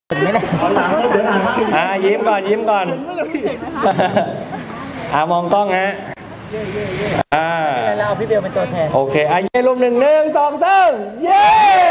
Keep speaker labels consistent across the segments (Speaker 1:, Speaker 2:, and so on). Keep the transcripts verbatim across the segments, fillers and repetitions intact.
Speaker 1: ไม่ได้อ่ายิ้มก่อนยิ้มก่อนอ่ามองกล้องฮะอ่า
Speaker 2: แล้วเอาพี่เบลเป็นตัวแทน
Speaker 1: โอเคอ่ะเย้รูปหนึ่งหนึ่งสองสามเย้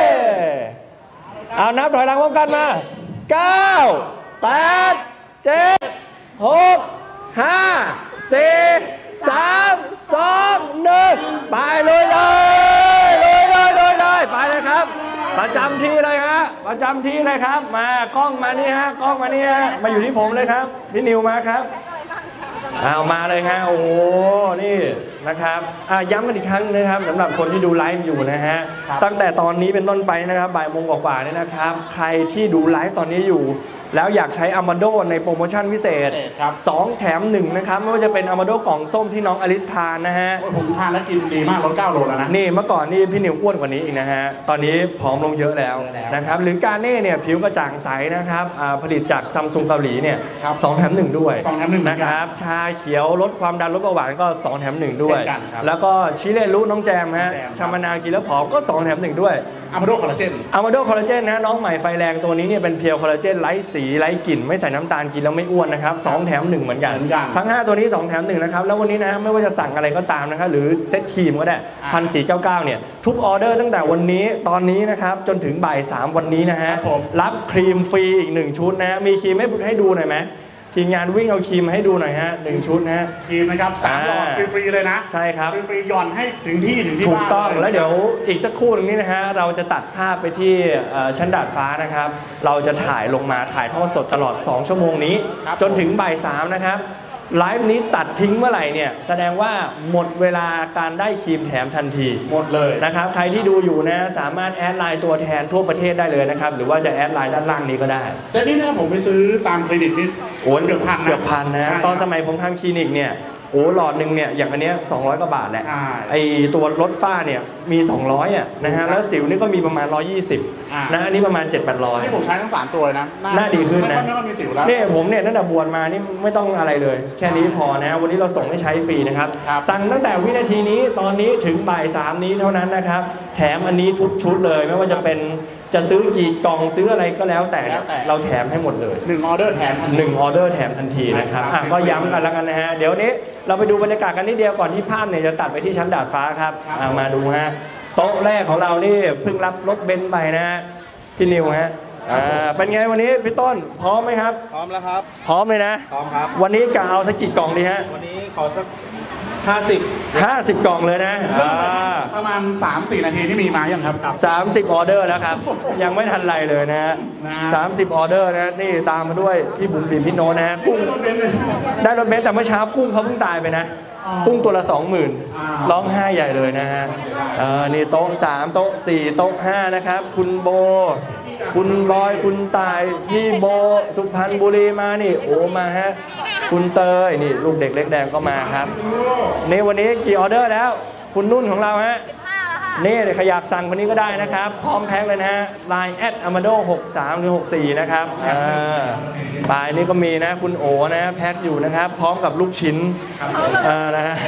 Speaker 1: เอานับถอยหลังพร้อมกันมาเก้าแปดเจ็ดหกห้าสี่สามสองหนึ่งไปเลยเลยเลยเลยเลยเลยไปเลยครับประจำที่เลยฮะประจำที่เลยครับมากล้องมานี่ฮะกล้องมานี่ฮะมาอยู่ที่ผมเลยครับพี่นิวมาครับเอามาเลยฮะโอ้นี่นะครับย้ำกันอีกครั้งนะครับสำหรับคนที่ดูไลฟ์อยู่นะฮะตั้งแต่ตอนนี้เป็นต้นไปนะครับบ่ายโมงกว่าๆนี่นะครับใครที่ดูไลฟ์ตอนนี้อยู่แล้วอยากใช้อามาโดในโปรโมชั่นพิเศษสองแถมหนึ่งนะครับไม่ว่าจะเป็นอามาโดกล่องส้มที่น้องอลิสทานนะฮะ
Speaker 3: ผมทานแล้วกินดีมากลดเก้าโลแล้วนะ
Speaker 1: นี่เมื่อก่อนนี่พี่นิวอ้วนกว่านี้อีกนะฮะตอนนี้ผอมลงเยอะแล้วนะครับหรือการเน่เนี่ยผิวกระจ่างใสนะครับผลิตจากซัมซุงเกาหลีเนี่ยสองแถมหนึ่งด้วย
Speaker 3: สองแถมหนึ่ง
Speaker 1: นะครับชาเขียวลดความดันลดเบาหวานก็สองแถมหนึ่งด้วยแล้วก็ชิเลรุน้องแจมฮะชามะนาวกินแล้วผอมก็สองแถมหนึ่งด้วย
Speaker 3: อะมาโดคอลลาเจน
Speaker 1: อะมาโดคอลลาเจนนะน้องใหม่ไฟแรงตัวนี้เนี่ยเป็นเพียวคอลลาเจนไร้สีไร้กลิ่นไม่ใส่น้ำตาลกินแล้วไม่อ้วนนะครับสองแถมหนึ่งเหมือนกันทั้งห้าตัวนี้สองแถมหนึ่งนะครับแล้ววันนี้นะไม่ว่าจะสั่งอะไรก็ตามนะครับหรือเซตครีมก็ได้พันสี่เก้าเก้าเนี่ยทุกออเดอร์ตั้งแต่วันนี้ตอนนี้นะครับจนถึงบ่ายสามวันนี้นะฮะรับครีมฟรีอีกหนึ่งชุดนะมีครีมให้ให้ดูหน่อยไหมทีมงานวิ่งเอาครีมให้ดูหน่อยฮะหนึ่งชุดนะ
Speaker 3: ครีมนะครับสามหลอดฟรีๆเลยนะ
Speaker 1: ใช่ครับ
Speaker 3: ฟรีๆหย่อนให้ถึงที่ถึงที่บ้าน
Speaker 1: ถูกต้องแล้วเดี๋ยวอีกสักครู่นึงนี้นะฮะเราจะตัดภาพไปที่ชั้นดาดฟ้านะครับเราจะถ่ายลงมาถ่ายทอดสดตลอดสองชั่วโมงนี้จนถึงบ่ายสามนะครับไลฟ์นี้ตัดทิ้งเมื่อไหร่เนี่ยแสดงว่าหมดเวลาการได้ครีมแถมทันที
Speaker 3: หมดเลย
Speaker 1: นะครับใครที่ดูอยู่นะสามารถแอดไลน์ตัวแทนทั่วประเทศได้เลยนะครับหรือว่าจะแอดไลน์ด้านล่างนี้ก็ได้
Speaker 3: เซตนี้นะผมไปซื้อตามคลินิกนี่
Speaker 1: โอ้เกือบพันนะเกือบพันนะตอนสมัยผมทำคลินิกเนี่ยโอ้หลอดหนึ่งเนี่ยอย่างอันเนี้ยสองร้อยกว่าบาทแหละไอตัวลดฝ้าเนี่ยมีสองร้อยอ่ะนะฮะแล้วสิวนี่ก็มีประมาณหนึ่งร้อยยี่สิบนะอันนี้ประมาณเจ็ดแปดร้อย
Speaker 3: นี่ผมใช้ทั้งสามตัวนะ
Speaker 1: หน้าดีขึ้นนะ
Speaker 3: ไม่ต้องมีสิวแล้ว
Speaker 1: เนี่ยผมเนี่ยตั้งแต่บวชมานี่ไม่ต้องอะไรเลยแค่นี้พอนะวันนี้เราส่งให้ใช้ฟรีนะครับสั่งตั้งแต่วินาทีนี้ตอนนี้ถึงบ่ายสามนี้เท่านั้นนะครับแถมอันนี้ทุกชุดเลยไม่ว่าจะเป็นจะซื้อกี่กล่องซื้ออะไรก็แล้วแต่เราแถมให้หมดเลย
Speaker 3: หนึ่งออเดอร์แถม
Speaker 1: หนึ่งออเดอร์แถมทันทีนะครับก็ย้ำกันแล้วกันนะฮะเดี๋ยวนี้เราไปดูบรรยากาศกันนิดเดียวก่อนที่ภาพเนี่ยจะตัดไปที่ชั้นดาดฟ้าครับมาดูฮะโต๊ะแรกของเรานี่เพิ่งรับรถเบนซ์ไปนะฮะพี่นิวฮะเป็นไงวันนี้พี่ต้นพร้อมไหมครับ
Speaker 3: พร้อมแล้วครับ
Speaker 1: พร้อมเลยนะ
Speaker 3: พร้อมครับ
Speaker 1: วันนี้กะเอาสักกี่กล่องดีฮะ
Speaker 3: วันนี้ขอสักห้าสิบ
Speaker 1: ห้าสิบกล่องเลยนะ
Speaker 3: ประมาณ สามสี่ นาทีที่มีมายังครับ
Speaker 1: สามสิบออเดอร์แล้วครับยังไม่ทันไรเลยนะฮะสามสิบออเดอร์นะนี่ตามมาด้วยพี่บุ๋มบิ๋มพี่โน้นะฮะกุ้งได้รถเบนซ์แต่เมื่อเช้ากุ้งเขาเพิ่งตายไปนะกุ้งตัวละสองหมื่นร้องไห้ใหญ่เลยนะฮะนี่โต๊ะสามโต๊ะสี่โต๊ะห้านะครับคุณโบคุณบอยคุณตายพี่โบสุพรรณบุรีมานี่โอ้มาฮะคุณเตยนี่ลูกเด็กเล็กแดงก็มาครับนี่วันนี้กี่ออเดอร์แล้วคุณนุ่นของเราฮะนี่เดี๋ยวขยับสั่งคนนี้ก็ได้นะครับพร้อมแพ็คเลยนะฮะ ไลน์ แอท อามาโดหกสามหรือหกสี่นะครับปลายนี่ก็มีนะคุณโอนะแพ็คอยู่นะครับพร้อมกับลูกชิ้นนะฮะ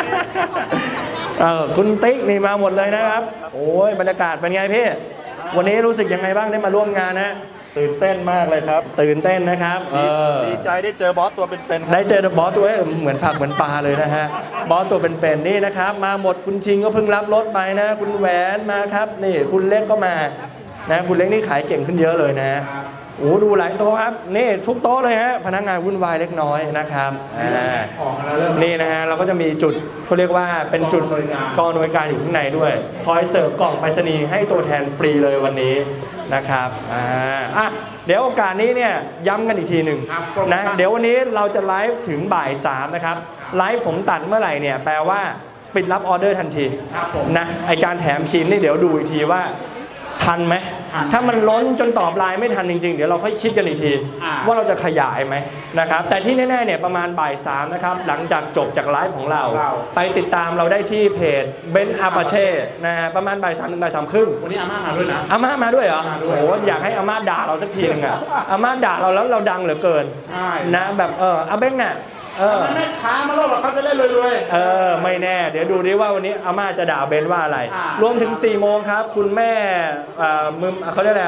Speaker 1: คุณติ๊กนี่มาหมดเลยนะครับโอ้ยบรรยากาศเป็นไงพี่วันนี้รู้สึกยังไงบ้างได้มาร่วมงานนะ
Speaker 3: ตื่นเต้นมากเลยครับ
Speaker 1: ตื่นเต้นนะครับ
Speaker 3: ดีใจได้เจอบอสตัวเป็น
Speaker 1: ๆได้เจอบอสตัวเหมือนผักเหมือนปลาเลยนะฮะบอสตัวเป็นๆนี่นะครับมาหมดคุณชิงก็เพิ่งรับรถไปนะคุณแหวนมาครับนี่คุณเล็กก็มานะคุณเล็กนี่ขายเก่งขึ้นเยอะเลยนะโอ้ดูหลายโต๊ะครับนี่ทุกโต๊ะเลยฮะพนักงานวุ่นวายเล็กน้อยนะครับนี่นะฮะเราก็จะมีจุดเขาเรียกว่าเป็นจุดกองหน่วยการอยู่ข้างในด้วยคอยเสิร์ฟกล่องไปรษณีย์ให้ตัวแทนฟรีเลยวันนี้นะครับอ่าอ่ะเดี๋ยวโอกาสนี้เนี่ยย้ำกันอีกทีหนึ่งนะเดี๋ยววันนี้เราจะไลฟ์ถึงบ่ายสามนะครับไลฟ์ผมตัดเมื่อไหร่เนี่ยแปลว่าปิดรับออเดอร์ทันทีนะไอการแถมครีมนี่เดี๋ยวดูอีกทีว่าทันไหมถ้ามันล้นจนตอบไลน์ไม่ทันจริงๆเดี๋ยวเราค่อยคิดกันอีกทีว่าเราจะขยายไหมนะครับแต่ที่แน่ๆเนี่ยประมาณบ่ายสามนะครับหลังจากจบจากไลฟ์ของเราไปติดตามเราได้ที่เพจเบนซ์อาปาเช่นะฮะประมาณบ่ายสามถึงบ่ายสามครึ่ง
Speaker 3: วันนี้อาม่ามาด้วยนะ
Speaker 1: อาม่ามาด้วยเหรอโอ้โหอยากให้อาม่าด่าเราสักทีนึงอ่ะอาม่าด่าเราแล้วเราดังเหลือเกินนะแบบเอออาเบ้งน่ะ
Speaker 3: เออแม่ค้ามาโลกเขาจะเล่นรวย
Speaker 1: ๆเออไม่แน่เดี๋ยวดูดิว่าวันนี้อาม่าจะด่าเบนว่าอะไรรวมถึงสี่โมงครับคุณแม่มึมเขาเรียกอะไร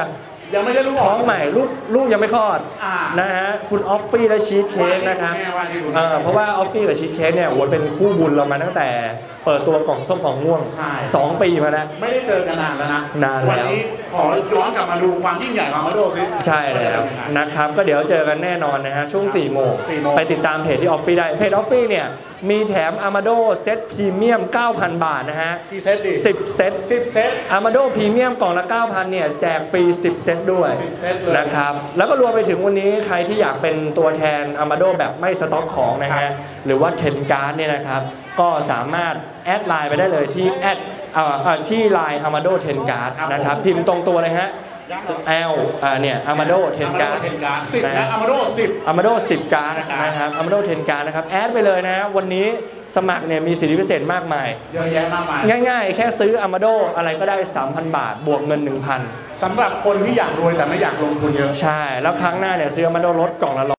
Speaker 3: ยังไม่ใช่ลูก
Speaker 1: ท้องใหม่ลูกลูกยังไม่คลอด
Speaker 3: อ่า
Speaker 1: นะฮะคุณออฟฟี่และชีสเค้กนะครับ
Speaker 3: ว่าที่คุณแม่ว่าที่คุณแม่
Speaker 1: เอ่อเพราะว่าออฟฟี่กับชีสเค้กเนี่ยโอ้โหเป็นคู่บุญเรามาตั้งแต่เปิดตัวกล่องส้มกล่องม่วง
Speaker 3: ใช่
Speaker 1: สองปีมาแล้ว
Speaker 3: ไม่ได้เจอกันนานแล้วนะ
Speaker 1: นานแล้ว
Speaker 3: วันนี้ขอย้อนกลับมาดูความยิ่งใหญ่ของมาโดซิ
Speaker 1: ใช่แล้วนะครับก็เดี๋ยวเจอกันแน่นอนนะฮะช่วงสี่โมง
Speaker 3: สี่โมง
Speaker 1: ไปติดตามเพจที่ออฟฟี่ได้เพจออฟฟี่เนี่ยมีแถม Amado เซตพรีเมียม เก้าพัน บาทนะฮะ
Speaker 3: กี่เซตดิ
Speaker 1: สิบเซต
Speaker 3: สิบเซต
Speaker 1: Amado พรีเมียมกล่องละ เก้าพัน เนี่ยแจกฟรีสิบเซตด้วย
Speaker 3: สิบเซตเลย
Speaker 1: นะครับแล้วก็รวมไปถึงวันนี้ใครที่อยากเป็นตัวแทน Amado แบบไม่สต็อกของนะ
Speaker 3: ครั
Speaker 1: ฮะ
Speaker 3: บ
Speaker 1: หรือว่าเทนการ์ดเนี่ยนะครับก็สามารถแอดไลน์ไปได้เลยที่แอดเอ่อเอ่อที่ไลน์ Amado เทนการ์ดนะครับพิมพ์ตรงตัวเลยฮะ L อ่าเนี่ย Amado เทนการ์ด
Speaker 3: เทนการ์ดสิบนะอามาโดสิบ
Speaker 1: Amado สิบการ์ดนะครับ Amado เทนการ์ดนะครับแอดไปเลยนะวันนี้สมัครเนี่ยมีสิทธิพิเศษมากมาย
Speaker 3: เยอะแยะมากมาย
Speaker 1: ง่ายๆ แค่ซื้อ Amado อะไรก็ได้ สามพัน บาท บวกเงิน หนึ่งพัน
Speaker 3: สำหรับคนที่อยากรวยแต่ไม่อยากลงทุนเยอะ
Speaker 1: ใช่ แล้วครั้งหน้าเนี่ยซื้อ Amado ลดกล่องละ